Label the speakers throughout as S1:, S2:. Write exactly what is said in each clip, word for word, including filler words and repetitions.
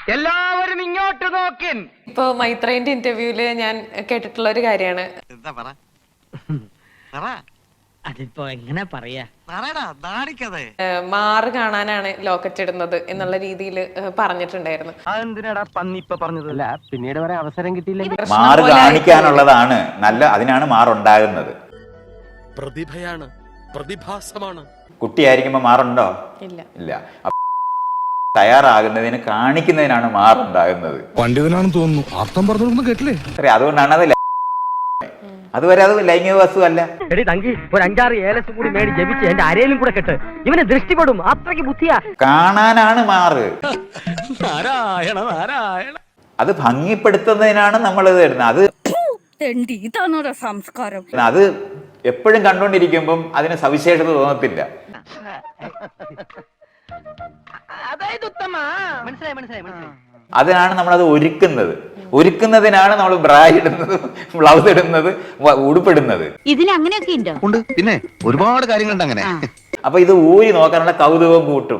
S1: എല്ലാവരും ഇങ്ങോട്ട് നോക്കിൻ.
S2: ഇപ്പൊ മൈത്രേന്റെ ഇന്റർവ്യൂല് ഞാൻ കേട്ടിട്ടുള്ള ഒരു കാര്യമാണ്.
S3: എന്താ പറ
S1: അതിപ്പോ എങ്ങനെ പറയാ,
S2: മാറ് കാണാനാണ് ലോക്കറ്റ് ഇടുന്നത് എന്നുള്ള രീതിയിൽ പറഞ്ഞിട്ടുണ്ടായിരുന്നു.
S1: അതെന്തിനാടാ പന്നി ഇപ്പൊ പറഞ്ഞതല്ല, പിന്നീട് വരെ അവസരം കിട്ടിയില്ല.
S4: മാറ് കാണിക്കാനുള്ളതാണ് നല്ല, അതിനാണ് മാറുണ്ടാകുന്നത്.
S5: പ്രതിഭയാണ്, പ്രതിഭാസമാണ്.
S4: കുട്ടിയായിരിക്കുമ്പോ മാറുണ്ടോ?
S2: ഇല്ല
S4: ഇല്ല. തയ്യാറാകുന്നതിന് കാണിക്കുന്നതിനാണ് മാറുണ്ടാകുന്നത്.
S5: പണ്ഡിതനാണെന്ന് തോന്നുന്നു, അർത്ഥം പറഞ്ഞൊന്നും കേട്ടില്ലേ?
S4: അതുകൊണ്ടാണ് അത് അതുവരെ അത് ലൈംഗിക വസ്തു അല്ല.
S1: എടി തങ്കി, ഒരു അഞ്ചാറ് ഏലസും കൂടി മേടി ജപിച്ച് എന്റെ അരയിലും കൂടെ കെട്ട്, ഇവന് ദൃഷ്ടിപ്പെടും, അത്രയ്ക്ക് ബുദ്ധിയാ.
S4: കാണാനാണ് മാറ്.
S5: നാരായണ നാരായണ.
S4: അത് ഭംഗിപ്പെടുത്തുന്നതിനാണ് നമ്മൾ ഇത് ഇടുന്നത്. അത്
S6: സംസ്കാരം
S4: അത് എപ്പോഴും കണ്ടോണ്ടിരിക്കുമ്പം അതിന് സവിശേഷത തോന്നത്തില്ല.
S1: മനസ്സിലായി മനസ്സിലായി മനസ്സിലായി.
S4: അതിനാണ് നമ്മളത് ഒരുക്കുന്നത്. ഒരുക്കുന്നതിനാണ് നമ്മൾ ബ്രാ ഇടുന്നത്, ബ്ലൗസ് ഇടുന്നത്, ഉടുപ്പിടുന്നത്.
S6: ഇതിന് അങ്ങനെയൊക്കെ ഉണ്ടോ?
S3: ഉണ്ട്, പിന്നെ ഒരുപാട് കാര്യങ്ങളുണ്ട് അങ്ങനെ.
S4: അപ്പൊ ഇത് ഊരി നോക്കാനുള്ള കൗതുകവും കൂട്ടും.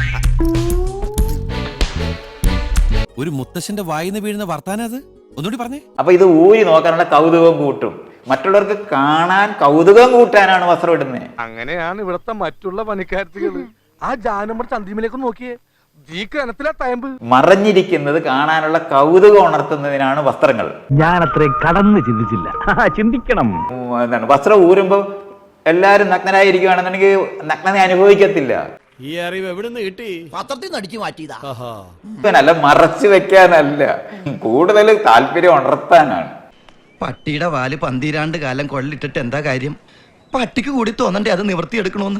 S5: ഒരു മുത്തശ്ശന്റെ വായിന്ന് വീഴുന്ന വർത്താനം അത് ഒന്നുകൂടി പറഞ്ഞേ.
S4: അപ്പൊ ഇത് ഊരി നോക്കാനുള്ള കൗതുകവും കൂട്ടും. മറ്റുള്ളവർക്ക് കാണാൻ കൗതുകം കൂട്ടാനാണ് വസ്ത്രം ഇടുന്നത്.
S7: അങ്ങനെയാണ് ഇവിടത്തെ മറ്റുള്ള പണിക്കാരത്തികള്. ആ ജാനമ്മ ചന്തിമിലേക്ക് നോക്കിയേ,
S4: മറഞ്ഞിരിക്കുന്നത് കാണാനുള്ള കൗതുകം ഉണർത്തുന്നതിനാണ് വസ്ത്രങ്ങൾ.
S1: ഞാൻ അത്രയും കടന്ന് ചിന്തിച്ചില്ല, ചിന്തിക്കണം.
S4: എന്താണ് വസ്ത്രം ഊരുമ്പോ എല്ലാരും നഗ്നരായിരിക്കുകയാണെന്നുണ്ടെങ്കിൽ നഗ്നത അനുഭവിക്കത്തില്ല.
S5: ഈ അറിവ് എവിടെ നിന്ന് കിട്ടി?
S3: പത്രത്തിൽ നിന്ന് അടിച്ചു മാറ്റിയതാ.
S4: അല്ല, മറച്ചു വെക്കാനല്ല, കൂടുതൽ താല്പര്യം ഉണർത്താനാണ്.
S3: പട്ടിയുടെ വാല് പന്തിരാണ്ട് കാലം കൊള്ളിട്ടിട്ട് എന്താ കാര്യം? പട്ടിക്ക് കൂടി തോന്നണ്ടേ അത് നിവർത്തിയെടുക്കണോന്ന്.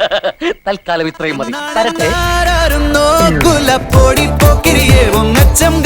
S1: തൽക്കാലം ഇത്രയും മതി.
S3: പൊടി പോക്കിരിയേ